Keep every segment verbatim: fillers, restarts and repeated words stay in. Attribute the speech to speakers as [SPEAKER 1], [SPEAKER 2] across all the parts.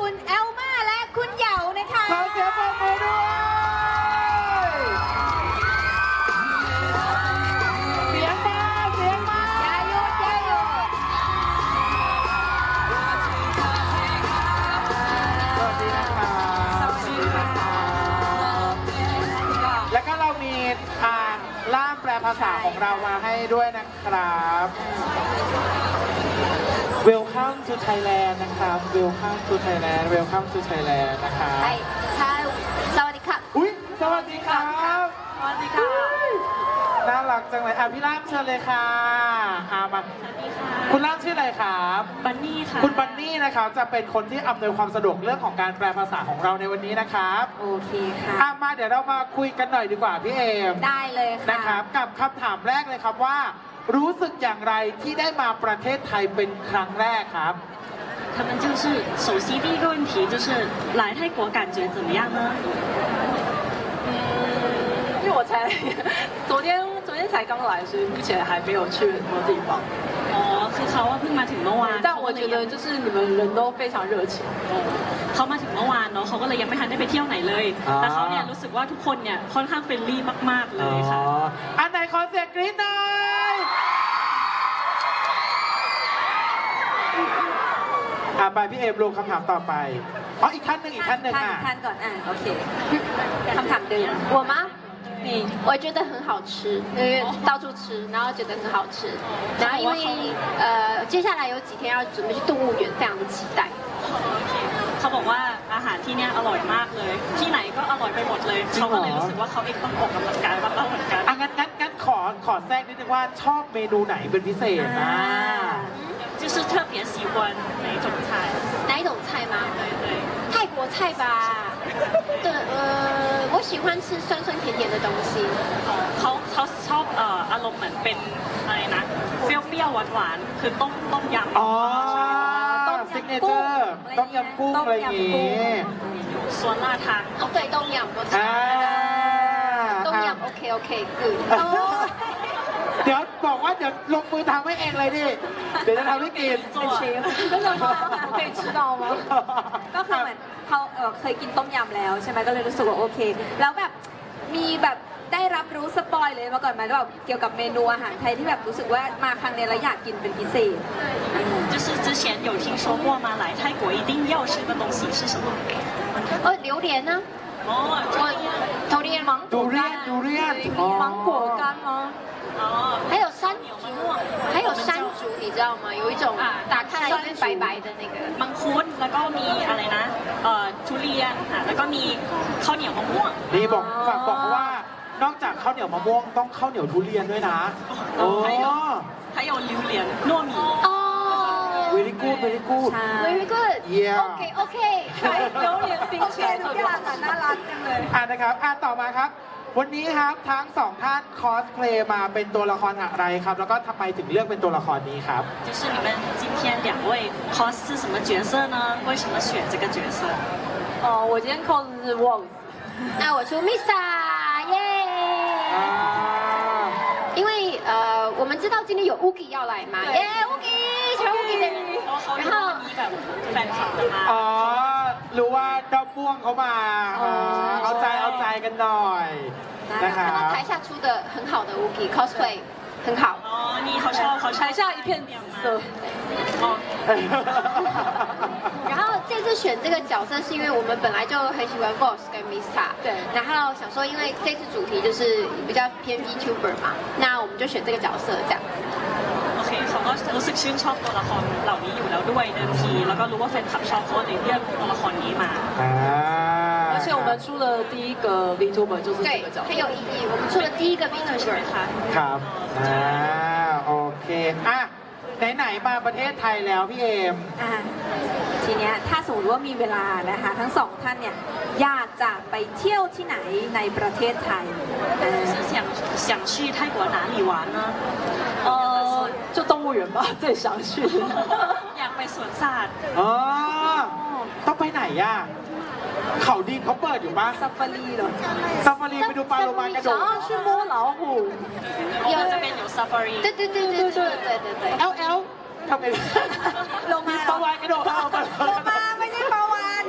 [SPEAKER 1] คุณเอลมาและคุณเหยานะคะ
[SPEAKER 2] ขอเสียงปรบมือด้วยเสียงมาเสียงมา
[SPEAKER 1] อย่าหยุดอย่าหยุด
[SPEAKER 2] สวัสดีนะครับสวัสดีครับแล้วก็เรามีอ่านล่ามแปลภาษาของเรามาให้ด้วยนะครับ Welcome to Thailand นะครับ Welcome to Thailand Welcome to Thailand นะครับ
[SPEAKER 1] ใช่ใช่สวัสดีครับ
[SPEAKER 2] อุ้ยสวัสดีครับ
[SPEAKER 1] สวัสดีค่ะ
[SPEAKER 2] น่ารักจังเลยอ่ะพี่ล่ามเชิญเลยค่ะอามาคุณล่ามชื่ออะไรครับ
[SPEAKER 3] บันนี่ค่ะ
[SPEAKER 2] คุณบันนี่นะครับจะเป็นคนที่อำนวยความสะดวกเรื่องของการแปลภาษาของเราในวันนี้นะครับ
[SPEAKER 1] โอเคค่ะ
[SPEAKER 2] อ่ะมาเดี๋ยวเรามาคุยกันหน่อยดีกว่าพี่เอม
[SPEAKER 1] ได้เลยค่ะ
[SPEAKER 2] นะครับกับคำถามแรกเลยครับว่ารู้สึกอย่างไรที่ได้มาประเทศไทยเป็นครั้งแรกครับ
[SPEAKER 3] 他们就是首先第一个问题就是来泰国感觉怎么样呢？
[SPEAKER 4] 嗯，因为我才昨天昨天才刚来，所以目前还没有去很多地方。
[SPEAKER 3] อ๋อคือเขาว่าเพิ่งมาถึงเมื่อวาน
[SPEAKER 4] 但我觉得就是你们人都非常热情。
[SPEAKER 3] เขามาถึงเมื่อวานเนาะเขาก็เลยยังไม่ทันได้ไปเที่ยวไหนเลยแต่เขาเนี่ยรู้สึกว่าทุกคนเนี่ยค่อนข้างเฟรนลี่มากๆเลยค่ะ
[SPEAKER 2] อันไหนขอเสียงกรี๊ดหน่อยอ่ะไปพี่เอมลงคำถามต่อไปอ๋ออีกท่านหนึ่งอีกท่านหนึ่งอ่ะ
[SPEAKER 1] ท่านก่อนอ่ะโอเคคำถามเดิม
[SPEAKER 4] 我吗？
[SPEAKER 1] 你我觉得很好吃，因为到处吃，然后觉得很好吃，然后因为呃接下来有几天要准备去动物园，非常的期待。
[SPEAKER 3] เขาบอกว่าอาหารที่เนี่ยอร่อยมากเลย ที่ไหนก็อร่อยไปหมดเลยเขาก็เลยรู้สึกว่าเขาเองต้องออกกำลังกายมากๆเหมือนกัน
[SPEAKER 2] อ่ะงั้นงั้นงั้นขอขอแทรกนิดนึงว่าชอบเมนูไหนเป็นพิเศษนะ
[SPEAKER 3] 就是特别喜欢哪一种菜
[SPEAKER 1] 哪一种菜吗
[SPEAKER 3] 对对
[SPEAKER 1] 泰国菜吧对呃我喜欢吃酸酸甜甜的东西
[SPEAKER 3] เขาเขาชอบเอ่ออารมณ์เหมือนเป็นอะไรนะเปรี้ยวๆหวานๆคือต้มต้มยำ
[SPEAKER 2] อ๋อซิกเนเจอร์ต้มยำกุ้งอะไรอย่างงี้
[SPEAKER 3] ส่วนล่าทาง
[SPEAKER 1] 哦对ต้มยำก็ใช่ต้มยำโอเคโอเคgood
[SPEAKER 2] เดี๋ยวบอกว่าเดี๋ยวลงมือทำให้เองเลยดิเดี๋ยวจะทำให้กิน
[SPEAKER 1] เป็นเชฟก็เลยเคยชิดองมั้งก็คือเหมือนเขาเออเคยกินต้มยำแล้วใช่ไหมก็เลยรู้สึกว่าโอเคแล้วแบบมีแบบได้รับรู้สปอยเลยมาก่อนไหมแบบเกี่ยวกับเมนูอาหารไทยที่แบบรู้สึกว่ามาครั้งนี้แล้วอยากกินเป็นพิเศษ
[SPEAKER 3] 就是之前有听说过吗来泰国一定要吃的东西是什么
[SPEAKER 1] เออ榴莲呢
[SPEAKER 3] 哦
[SPEAKER 1] 榴莲芒
[SPEAKER 2] ดูเรียนดูเรียน
[SPEAKER 4] 芒果干吗？
[SPEAKER 3] 哦
[SPEAKER 1] 还有山竹还有山竹你知道吗有一种打开来是白白的那个
[SPEAKER 3] มังคุดแล้วก็มีอะไรนะเอ่อทุเรียนค่ะแล้วก็มีข้าวเหนียวมะม่วง
[SPEAKER 2] นี่บอกฝากบอกเขาว่านอกจากข้าวเหนียวมะม่วงต้องข้าวเหนียวทุเรียนด้วยนะโอ้
[SPEAKER 3] 还有榴莲糯米
[SPEAKER 1] 哦
[SPEAKER 2] very good very good
[SPEAKER 1] very good
[SPEAKER 2] yeah
[SPEAKER 1] OK OK
[SPEAKER 4] 榴莲冰淇淋ทุกอย่างอ่ะน่ารักจังเลย
[SPEAKER 2] อ่ะนะครับอ่ะต่อมาครับวันนี้ครับทั้งสองท่านคอสเพลย์มาเป็นตัวละครอะไรครับแล้วก็ทำไมถึงเลือกเป็นตัวละครนี้ครับ
[SPEAKER 3] 就是你们今天两位 cos 是什么角色呢为什么选这个角色
[SPEAKER 4] 哦我今天 cos 是 Wolf
[SPEAKER 1] 那我出 Mister 耶因为呃我们知道今天有 Ugi 要来嘛耶 Ugi 全 Ugi 的人然后
[SPEAKER 3] มีแบบแฟนคลับมา
[SPEAKER 2] อ๋อรู้ว่าดอมม่วงเขามาเอาใจเอาใจกันหน่อยนะครับ
[SPEAKER 1] 看到台下出的很好的 Ugi cosplay 很好
[SPEAKER 3] อ๋อนี่เขาชอบเขา
[SPEAKER 4] 台下一片紫色
[SPEAKER 3] 哦
[SPEAKER 1] 然后这次选这个角色是因为我们本来就很喜欢 Boss 跟 Mista
[SPEAKER 4] 对
[SPEAKER 1] 然后想说因为这次主题就是比较偏 VTuber 嘛那我们就选这个角色这样子
[SPEAKER 3] โอเคเขาก็รู้สึกชื่นชอบตัวละครเหล่านี้อยู่แล้วด้วยเดิมทีแล้วก็รู้ว่าแฟนคลับชอบเขาเลยเลือกตัวละครนี้มา
[SPEAKER 4] 而且我们出了第一个 VTuber 就是这个角色
[SPEAKER 1] 很有意义我们出了第一个 VTuber
[SPEAKER 2] ครับอ่าโอเคอ่ะไหนๆมาประเทศไทยแล้วพี่เอม
[SPEAKER 1] อ่าทีเนี้ยถ้าสมมติว่ามีเวลานะคะทั้งสองท่านเนี่ยอยากจะไปเที่ยวที่ไหนในประเทศไทย
[SPEAKER 3] 是想想去泰国哪里玩呢
[SPEAKER 4] 呃就动物园吧最想去
[SPEAKER 3] อยากไปสวนสัตว์
[SPEAKER 2] อ๋อต้องไปไหนอ่ะเขาดีเขาเปิดอยู่ปะ
[SPEAKER 4] ซาฟารีเหรอ
[SPEAKER 2] ซาฟารีไปดูปลาโลมากระโดด
[SPEAKER 4] 想要去摸老虎
[SPEAKER 3] 有这边有 safari
[SPEAKER 1] 对对对对对对对对
[SPEAKER 2] เอลเอลทำไง
[SPEAKER 1] โลมา
[SPEAKER 2] ปลาวานกระโดดเข้ามา
[SPEAKER 1] โลมาไม่ใช่ปลาวาน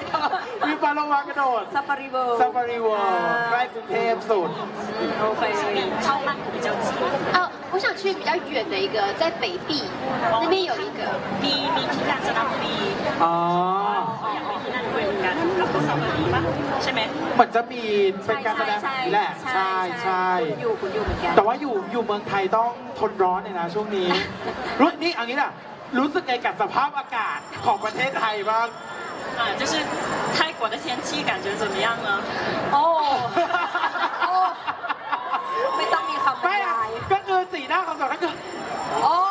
[SPEAKER 2] ปาโลมากระโดด
[SPEAKER 1] ซาฟารีเวิลด์
[SPEAKER 2] ซาฟารีเวิลด์ใกล้กรุงเทพสุด
[SPEAKER 1] โอเค
[SPEAKER 3] 靠曼谷比较近。
[SPEAKER 5] 哦，我想去比较远的一个，在北壁那边有一个。
[SPEAKER 3] มีมีที่กาญจนบุรี
[SPEAKER 2] อ๋อ
[SPEAKER 3] อยากไปที่นั่นด้วยเหมือนกันกับสาวรีป่ะใช่ไหม
[SPEAKER 2] เหมือนจะมีเป็นการแสดงแบบนี้แหละ ใช่ใช่
[SPEAKER 1] คุณอยู่คุณอยู่เหมือนกัน
[SPEAKER 2] แต่ว่าอยู่อยู่เมืองไทยต้องทนร้อนเลยนะช่วงนี้ รู้นี่เอันนี้น่ะ รู้สึกไงกับสภาพอากาศของประเทศไทยบ้าง
[SPEAKER 3] 啊，就是泰国的天气感觉怎么样呢？
[SPEAKER 1] โอ้โอ้ไม่ต้องมีคำบร
[SPEAKER 2] ไม่
[SPEAKER 1] ร
[SPEAKER 2] อะ
[SPEAKER 1] ยาย
[SPEAKER 2] ก็คือสีหน้าของสองนั่นคือ
[SPEAKER 1] โอ้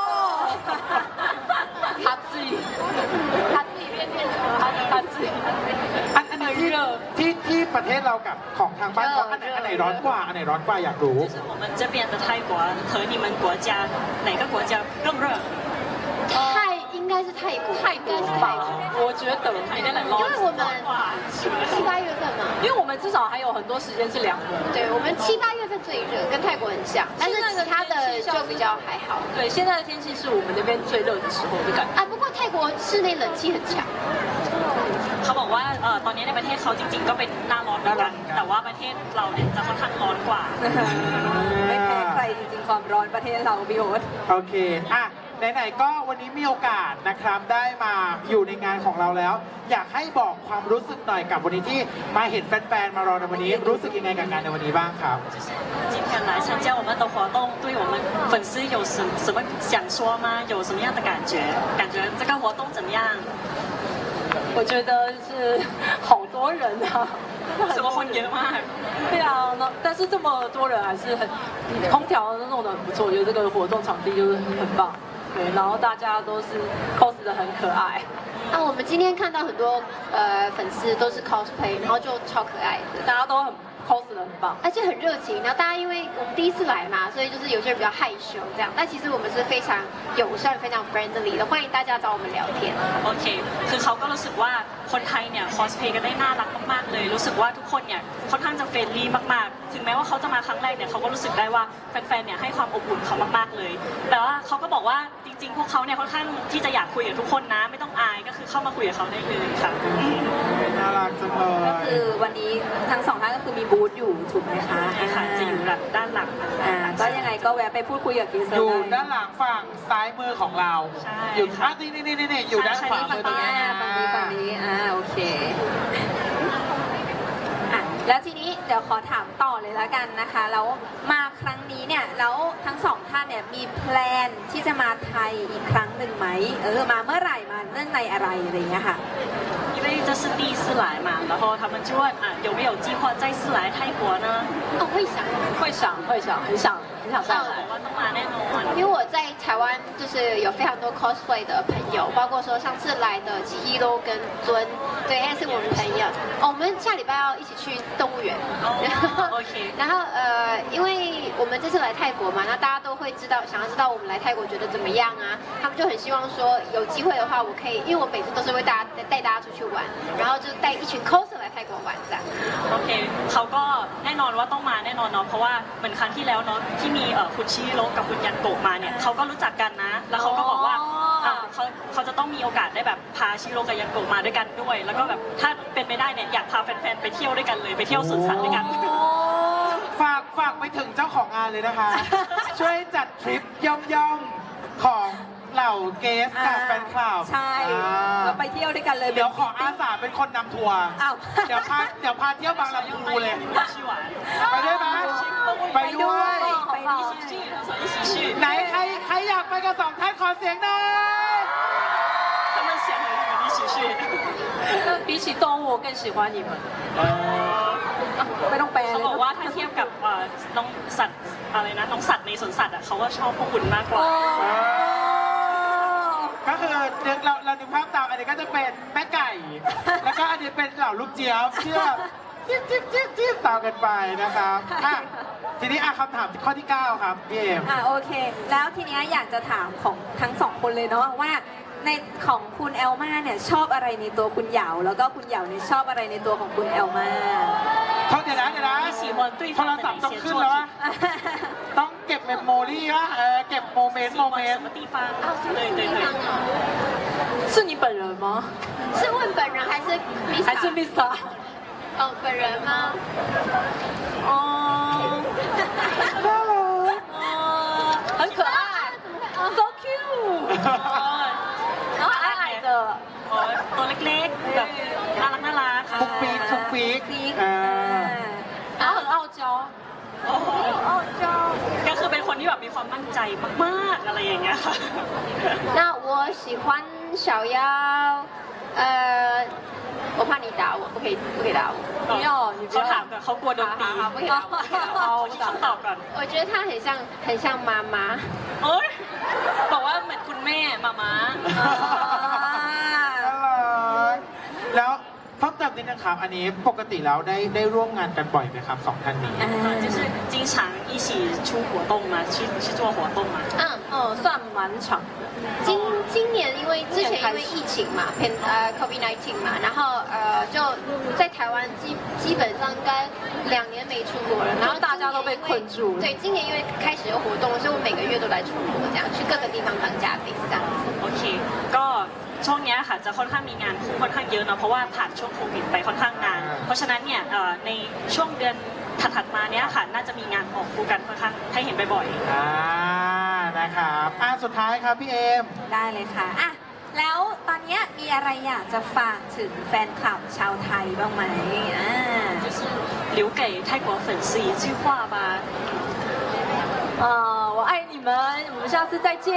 [SPEAKER 4] 他自己，他自己变变成他他自己。
[SPEAKER 2] อันอันไหนที่ที่ที่ประเทศเรากับของทางบ้านเขาอันไหนอันไหนร้อนกว่าอันไหนร้อนกว่าอยากรู้
[SPEAKER 3] 就是我们这边的泰国和你们国家哪个国家更热？
[SPEAKER 5] 泰应该是泰国，
[SPEAKER 4] 泰
[SPEAKER 5] 应该
[SPEAKER 4] 国吧
[SPEAKER 5] 是泰国，，
[SPEAKER 4] 我觉得
[SPEAKER 3] 有点冷
[SPEAKER 5] 因为我们
[SPEAKER 3] 哇，
[SPEAKER 5] 七八月份嘛，
[SPEAKER 4] 因为我们至少还有很多时间是凉的。
[SPEAKER 5] 对我们七八月份最热，跟泰国很像，但是其他的就比较还好。
[SPEAKER 4] 对，现在的天气是我们那边最热的时候的感觉。
[SPEAKER 5] 啊，不过泰国室内冷气很强。
[SPEAKER 3] เขาบอกว่าเอ่อตอนนี้ในประเทศเขาจริงๆก็เป็นหน้าร้อนเหมือนกัน แต่ว่าประเทศเราเนี่ยจะค่อนข้างร้อนกว่า
[SPEAKER 1] ไม่แพ้ใครจริงๆความร้อนประเทศเราพี่โอ๊ต
[SPEAKER 2] โอเค อ่ะ ไหนๆ ก็วันนี้มีโอกาสนะครับ ได้มาอยู่ในงานของเราแล้ว อยากให้บอกความรู้สึกหน่อยกับวันนี้ที่มาเห็นแฟนๆ มารอในวันนี้ รู้สึกยังไงกับงานในวันนี้บ้างครับ
[SPEAKER 3] 今天来参加我们的活动，对我们粉丝有什什么想说吗？有什么样的感觉？感觉这个活动怎么样？
[SPEAKER 4] 我觉得是好多人啊，
[SPEAKER 3] 什么婚宴吗？
[SPEAKER 4] 对啊，那但是这么多人还是很，空调都弄得很不错，我觉得这个活动场地就是很棒。对，然后大家都是 cos 的很可爱。
[SPEAKER 5] 啊，我们今天看到很多呃粉丝都是 cosplay，然后就超可爱的。
[SPEAKER 4] 大家都很 cos 的很棒。
[SPEAKER 5] 而且很热情，然后大家因为我们第一次来嘛，所以就是有些人比较害羞这样，但其实我们是非常友善、非常 friendly 的，欢迎大家找我们聊天。
[SPEAKER 3] โอเค คือเขาก็รู้สึกว่าคนไทยเนี่ยคอสเพลย์กันได้น่ารักมากๆเลย รู้สึกว่าทุกคนเนี่ยค่อนข้างจะเฟรนลี่มากๆ ถึงแม้ว่าเขาจะมาครั้งแรกเนี่ยเขาก็รู้สึกได้ว่าแฟนๆ เนี่ยให้ความอบอุ่นเขามากๆเลย แต่ว่าเขาก็บอกว่าจริงๆ พวกเขาเนี่ยค่อนข้างที่จะอยากคุยกับทุกคนนะ ไม่ต้องอาย ก็คือเข้ามาคุยกับเขาได้เลยค่ะ
[SPEAKER 2] น่ารักจังเล
[SPEAKER 1] ก็
[SPEAKER 2] ย
[SPEAKER 1] คือวันนี้ทั้งสองท่านก็คือมีบูธอยู่ถูกไหมคะ
[SPEAKER 3] ใช่ค่ะจะอยู่หลังด้านหลัง
[SPEAKER 1] อ่าก็ยังไงก็แวะไปพูดคุยกับกีเซอ
[SPEAKER 2] อยู่
[SPEAKER 1] ร์
[SPEAKER 2] ด้านหลังฝั่งซ้ายมือของเรา
[SPEAKER 3] ใช่
[SPEAKER 2] อยู่อ่ะนี่นี่นี่นี่อยู่ด้านขวา
[SPEAKER 1] ฝั่
[SPEAKER 2] มื
[SPEAKER 1] ง
[SPEAKER 2] อตรง
[SPEAKER 1] นี้
[SPEAKER 2] นี้
[SPEAKER 1] อ่าฝั่งนี้ฝั่งนี้อ่าโอเคอ่ะแล้วทีนี้เดี๋ยวขอถามต่อเลยแล้วกันนะคะ แล้วมาครั้งนี้เนี่ยแล้วทั้งสองท่านเนี่ยมีแพลนที่จะมาไทยอีกครั้งหนึ่งไหมเออมาเมื่อไหร่มาเนื่องในอะไรอะไรอย่างเงี้ยค่ะ
[SPEAKER 3] 因为这是第一次来嘛，然后他们就问啊有没有计划再次来泰国呢？
[SPEAKER 5] 哦，会想，
[SPEAKER 4] 会想会想很想很想再来。
[SPEAKER 3] บอกว่าต้องมาแน่นอน
[SPEAKER 5] 因为我在台湾就是有非常多 cosplay 的朋友，包括说上次来的七一都跟尊，对，也是我们朋友。哦，我们下礼拜要一起去动物园。
[SPEAKER 3] 哦，OK
[SPEAKER 5] 然后呃，因为我们这次来泰国嘛，那大家都会知道，想要知道我们来泰国觉得怎么样啊？他们就很希望说有机会的话，我可以，因为我每次都是会大家带大家出去玩，然后就带一群 coser 来泰国玩这样。
[SPEAKER 3] โอเคเขาก็แน่นอนว่าต้องมาแน่นอนเนาะเพราะว่าเหมือนครั้งที่แล้วเนาะที่มีเอ่อคุณชิโร่กับคุณยันโกะมาเนี่ยเขาก็รู้จักกันนะ แล้วเขาก็บอกว่า
[SPEAKER 1] อ๋ออ่
[SPEAKER 3] าเขาเขาจะต้องมีโอกาสได้แบบพาชิโร่กับยันโกะมาด้วยกันด้วย แล้วก็แบบถ้าเป็นไปได้เนี่ยอยากพาแฟนๆไปเที่ยวด้วยกันเลยไปเที่ยวสวนสัตว์ด้วยกัน
[SPEAKER 2] ฝากฝากไปถึงเจ้าของงานเลยนะคะ ช่วยจัดทริปย่อมๆของเหล่าเกสกับแฟนคลับ
[SPEAKER 1] ใช่
[SPEAKER 2] อ่า
[SPEAKER 1] เราไปเที่ยวด้วยกันเลย
[SPEAKER 2] เดี๋ยวขออาสาเป็นคนนำทัวร์
[SPEAKER 1] อ้าว
[SPEAKER 2] เดี๋ยวพาเดี๋ยวพาเที่ยวบางลำพูเลย
[SPEAKER 3] ชิหวาน
[SPEAKER 2] ไปด้วยไหมไปด้วย
[SPEAKER 1] ไปด้วย
[SPEAKER 3] 一起去一起去
[SPEAKER 2] ไหนใครใครอยากไปกับสองท่านขอเสียงหน่อย
[SPEAKER 3] 他们想和你们一起去
[SPEAKER 4] 比起动物，我更喜欢你们。
[SPEAKER 1] ไม่ต้องแปล
[SPEAKER 3] เขา
[SPEAKER 1] เลย
[SPEAKER 3] บอกว่าถ้าเทียบกับเอ่อน้องสัตว์อะไรนะน้องสัตว์ในสวนสัตว์อ่ะเขาก็ชอบพวกคุณมากกว่า
[SPEAKER 2] ก็คือเดี๋ยวเราเราดูภาพตามอันนี้ก็จะเป็นแม่ไก่ แล้วก็อันนี้เป็นเหล่าลูกเจี๊ยบเชื่อจิ๊บจิ๊บจิ๊บจิ๊บตามกันไปนะครับอ่ะทีนี้อ่ะคำถามข้อที่เก้าครับพี่เอม
[SPEAKER 1] อ่ะโอเค แล้วทีเนี้ยอยากจะถามของทั้งสองคนเลยเนาะว่าในของคุณแอลมาเนี่ยชอบอะไรในตัวคุณเหยาแล้วก็คุณเหยาเนี่ยชอบอะไรในตัวของคุณแอลมา
[SPEAKER 2] เขาเดี๋ยวนะเดี๋ยวนะ
[SPEAKER 3] 你喜欢对
[SPEAKER 2] โท
[SPEAKER 3] 方
[SPEAKER 2] ร
[SPEAKER 3] 的
[SPEAKER 2] ศัพท์
[SPEAKER 3] 哪
[SPEAKER 2] ต้อง
[SPEAKER 3] 些
[SPEAKER 2] ขึ้น
[SPEAKER 3] 作
[SPEAKER 2] แล้ว
[SPEAKER 3] 品
[SPEAKER 2] วะต้องเก็บเมมโมรี่วะเออเก็บโมเมนต์
[SPEAKER 3] 喜
[SPEAKER 2] โมเม
[SPEAKER 3] 欢
[SPEAKER 2] น
[SPEAKER 3] 什
[SPEAKER 2] ต์
[SPEAKER 3] 么地方
[SPEAKER 5] 哦，什么
[SPEAKER 3] 对对
[SPEAKER 5] 地方
[SPEAKER 3] 对
[SPEAKER 5] 哦？
[SPEAKER 4] 是你本人吗？
[SPEAKER 5] 是问本人还是 Miss？
[SPEAKER 4] 还是 Vista？
[SPEAKER 5] 哦，本人吗？
[SPEAKER 4] 哦，哦，很可爱，so cute，然后矮矮的，
[SPEAKER 3] อ๋อตัวเล็กๆแบบน่ารักน่ารักค่ะ
[SPEAKER 2] ฟุกปีกฟุกปีก
[SPEAKER 1] ปีก
[SPEAKER 2] เออ
[SPEAKER 4] 然后很傲娇，
[SPEAKER 3] โอ้โห
[SPEAKER 5] 哦，就
[SPEAKER 3] ก็คือเป็นคนที่แบบมีความมั่นใจมากๆอะไรอย่างเงี้ยค่ะ
[SPEAKER 5] 那我喜欢小妖，呃，我怕你打我，不可以，不可以打我。
[SPEAKER 4] 不要，你不
[SPEAKER 3] เขาถาม
[SPEAKER 4] 要，
[SPEAKER 3] ก่อนเขากลัวโดนตี
[SPEAKER 5] 好好好不可以打我，不可以打我。
[SPEAKER 3] เอาคำตอบก่อน
[SPEAKER 5] 我觉得他很像，很像妈妈。
[SPEAKER 3] เอ้ยบอกว่าเหมือนคุณแม่มาม้า
[SPEAKER 2] น่ารักแล้วเพิ่มเติมนิดนึงครับ อันนี้ปกติแล้วได้ได้ร่วมงานกันบ่อยไหมครับสองท่านนี้
[SPEAKER 3] 呃就是经常一起出活动嘛，去去做活动嘛。
[SPEAKER 5] 嗯，
[SPEAKER 4] 嗯，算蛮长的。
[SPEAKER 5] 今今年因为之前因为疫情嘛，偏呃 COVID 十九 嘛，然后呃就在台湾基基本上应该两年没出国了，然后
[SPEAKER 4] 大家都被困住了
[SPEAKER 5] 对，今年因为开始有活动，所以我每个月都来出国，这样去各个地方当嘉宾这样子。
[SPEAKER 3] โอเค ก็ช่วงเนี้ยค่ะจะค่อนข้างมีงานคู่ค่อนข้างเยอะเนอะเพราะว่าผ่านช่วงโควิดไปค่อนข้างนาน เพราะฉะนั้นเนี่ยเอ่อในช่วงเดือนถัดๆมาเนี้ยค่ะน่าจะมีงานออกคู่กันค่อนข้างให้เห็นบ่อยๆ
[SPEAKER 2] อ่า นะครับอ่าสุดท้ายครับพี่เอม
[SPEAKER 1] ได้เลยค่ะอ่ะ แล้วตอนเนี้ยมีอะไรอยากจะฝากถึงแฟนคลับชาวไทยบ้างไหมอ่า
[SPEAKER 3] 就是留给泰国粉丝一句话吧。
[SPEAKER 4] 呃，我爱你们，我们下次再见。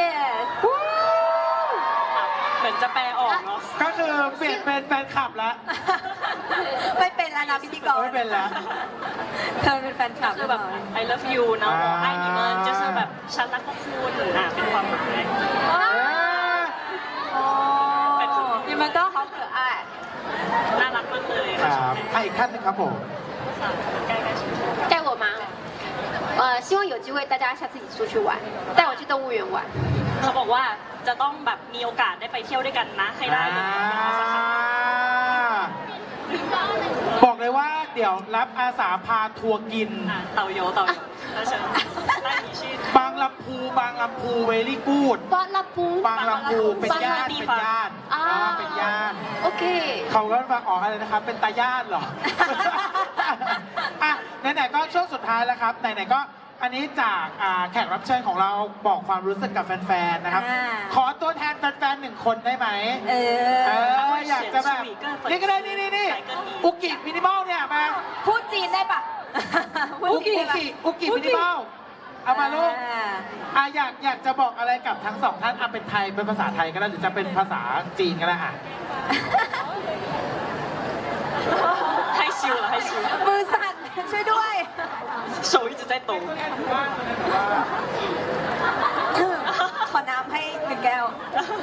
[SPEAKER 3] เหมือนจะแปลออกเนาะ
[SPEAKER 2] ก็คือเปลี่ยนเป็นแฟนคลับแล้ว
[SPEAKER 1] ไม่เป็นแล้วนะพิธีกร
[SPEAKER 2] ไม่เป็นแล้ว
[SPEAKER 1] เธอเป็นแฟนคลับ
[SPEAKER 3] คือแบบ I love you เนาะบอกไอ้นี่มัน就是แบบฉันรักพวกคุณอ่ะเป็นความหมาย
[SPEAKER 2] เออ
[SPEAKER 4] 哦，你们都好可爱。
[SPEAKER 3] น่ารักมากเลย
[SPEAKER 2] ค
[SPEAKER 3] ค่ะ
[SPEAKER 2] รับอ่ะอีกท่านหนึงครับผม
[SPEAKER 3] ใกล้ๆชิม
[SPEAKER 5] 带我吗？呃，希望有机会大家下次一起出去玩，带我去动物园玩。
[SPEAKER 3] เขาบอกว่าจะต้องแบบมีโอกาสได้ไปเที่ยวด้วยกันนะ ให้ได้เลยนะคะสักครั้ง
[SPEAKER 2] บอกเลยว่าเดี๋ยวรับอาสาพาทัวร์กิน
[SPEAKER 3] อ่ะเต่าโยเต่าโยแล้วเชิญได้มีชื่อบ
[SPEAKER 2] างลำพูบางลำพูเวลี่กูด
[SPEAKER 5] 巴拉布，
[SPEAKER 2] บางลำพูเป็นญาติเป็นญาติ
[SPEAKER 5] อ่า
[SPEAKER 2] อ่าเป็นญาติ
[SPEAKER 5] OK。
[SPEAKER 2] เขาก็มาออกอะไรนะครับ เป็นตาญาติเหรอ อ่ะไหนๆก็ช่วงสุดท้ายแล้วครับไหนๆก็อันนี้จากอ่าแขกรับเชิญของเราบอกความรู้สึกกับแฟนๆนะครับ
[SPEAKER 1] อ่า
[SPEAKER 2] ขอตัวแทนแฟนๆหนึ่งคนได้ไหม
[SPEAKER 1] เอ
[SPEAKER 2] เอ
[SPEAKER 1] อ
[SPEAKER 2] ออยากจะแบบนี่ก็ได้นี่นี่นี่อุกิมินิมอลเนี่ยมา
[SPEAKER 1] พูดจีนได้ปะ
[SPEAKER 2] อุกิอุกิอุกิมินิมอลเอามาลูก
[SPEAKER 1] อ่า
[SPEAKER 2] อ่ะอยากอยากจะบอกอะไรกับทั้งสองท่านอ่ะเป็นไทยเป็นภาษาไทยก็ได้หรือจะเป็นภาษาจีนก็ได้อ่ะ
[SPEAKER 3] ให้ชิวเหรอให้ชิว
[SPEAKER 1] มือสั่นช่วยด้วย
[SPEAKER 3] 手一直在抖
[SPEAKER 1] ขอน้ำให้หนึ่งแก้ว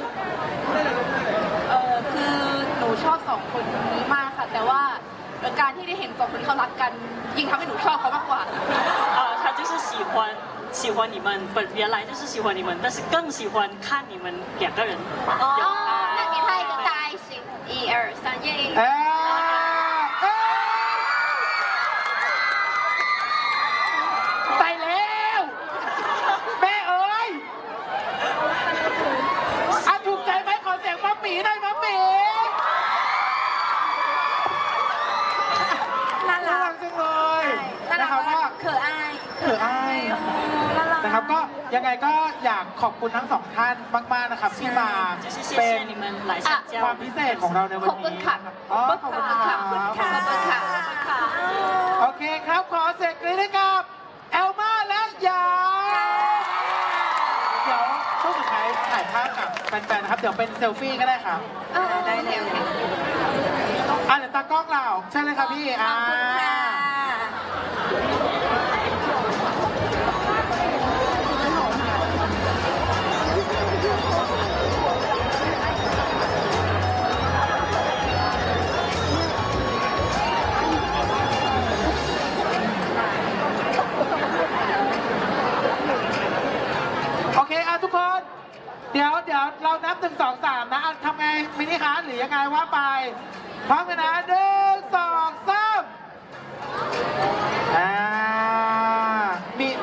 [SPEAKER 4] เออคือหนูชอบสองคนนี้มากค่ะ แต่ว่าการที่ได้เห็นสองคนนี้เขารักกัน ยิ่งทำให้หนูชอบเขามากกว่า
[SPEAKER 3] 啊，他就是喜欢喜欢你们，本原来就是喜欢你们，但是更喜欢看你们两个人有
[SPEAKER 5] 哦，
[SPEAKER 3] 爱。
[SPEAKER 5] 那给他一个大爱心，一二三，耶！
[SPEAKER 2] เออเออไปแล้วแม่เอ้ยอ่ะถูกใจไหมขอเสียงมัมหมีหน่อยมัมหมี
[SPEAKER 1] น่า
[SPEAKER 2] น่า
[SPEAKER 1] รั
[SPEAKER 2] รั
[SPEAKER 1] ก
[SPEAKER 2] กจังเลย
[SPEAKER 1] น่ารั
[SPEAKER 2] นะ
[SPEAKER 1] ก
[SPEAKER 2] ครับ
[SPEAKER 1] มา
[SPEAKER 2] ก็
[SPEAKER 1] กเขินอาย
[SPEAKER 2] เขินอาย
[SPEAKER 1] น่ารัก
[SPEAKER 2] นะครับก็ยังไงก็อยากขอบคุณทั้งสองท่านมากๆนะครับที่มา
[SPEAKER 3] 就是谢
[SPEAKER 2] เป็
[SPEAKER 3] 谢
[SPEAKER 2] น
[SPEAKER 3] 你们来参加
[SPEAKER 2] ความ
[SPEAKER 3] 我们
[SPEAKER 2] พิเศษของเราในวัน
[SPEAKER 5] ขอบคุณ
[SPEAKER 2] นี้
[SPEAKER 5] ค่ะ
[SPEAKER 2] อ๋อขอบคุณค่ะ
[SPEAKER 1] ขอบคุณค่ะ
[SPEAKER 5] ขอบคุณค่ะ
[SPEAKER 2] โอเคครับขอเสร็จเลยนะครับแอลมาและยาเดี๋ยวช่วงสุดท้ายถ่ายภาพกับแฟนๆนะครับเดี๋ยวเป็นเซลฟี่ก็ได้ครับ
[SPEAKER 5] 哦，
[SPEAKER 1] ได้เลย
[SPEAKER 5] OK，OK。
[SPEAKER 2] อ่ะเดี๋ยวตากล้องเราใช่เลยครับพี่
[SPEAKER 1] ข
[SPEAKER 2] อ่า
[SPEAKER 1] อบคุณค่ะ
[SPEAKER 2] โอเคอ่ะทุกคน เดี๋ยวเดี๋ยวเรานับหนึ่งสองสามนะอ่ะทำไงมินิฮาร์ทหรือยังไงว่าไปพร้อมกันนะหนึ่งสองสาม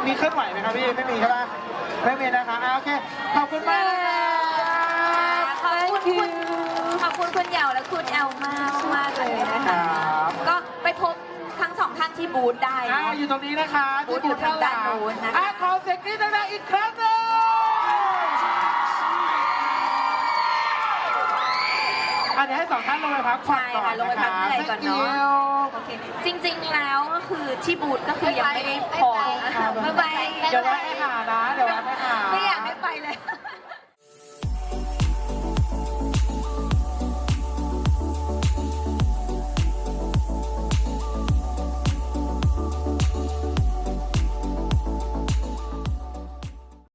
[SPEAKER 2] มีเคลื่อนไหวไหมครับพี่ไม่มีใช่ปะไม่มีนะคะอ่ะโอเคขอบคุณมากนะคะ
[SPEAKER 1] ขอบคุณคุณขอบคุณคุณเหยาและคุณแอลมากมากๆเลยนะ
[SPEAKER 2] ค
[SPEAKER 1] คะ
[SPEAKER 2] รับ
[SPEAKER 1] ก็ไปพบทั้งสองท่านที่บูธได้
[SPEAKER 2] อ่า
[SPEAKER 1] เนาะ
[SPEAKER 2] อยู่ตรงนี้นะคะ
[SPEAKER 1] บูธอยู่ทางด้านโน้นนะคะ
[SPEAKER 2] อ่ะขอเสียงกรี๊ดดังๆอีกครั้งหนึงอันนี้ให้สองท่านลงไปพักผ่อน
[SPEAKER 1] ใช่
[SPEAKER 2] ก่อน
[SPEAKER 1] ค่ะลงไปพักเหนื่อยก่อนเนาะ โอเค จริงๆ แล้วก็คือที่บูธก็คือยังไม่ได้พอ
[SPEAKER 5] บ๊ายบาย
[SPEAKER 1] บ๊ายบาย
[SPEAKER 2] เดี๋ยวแวะไปหานะ เดี๋ยวแวะไปหา
[SPEAKER 1] ไม่อยากให้ไปเลย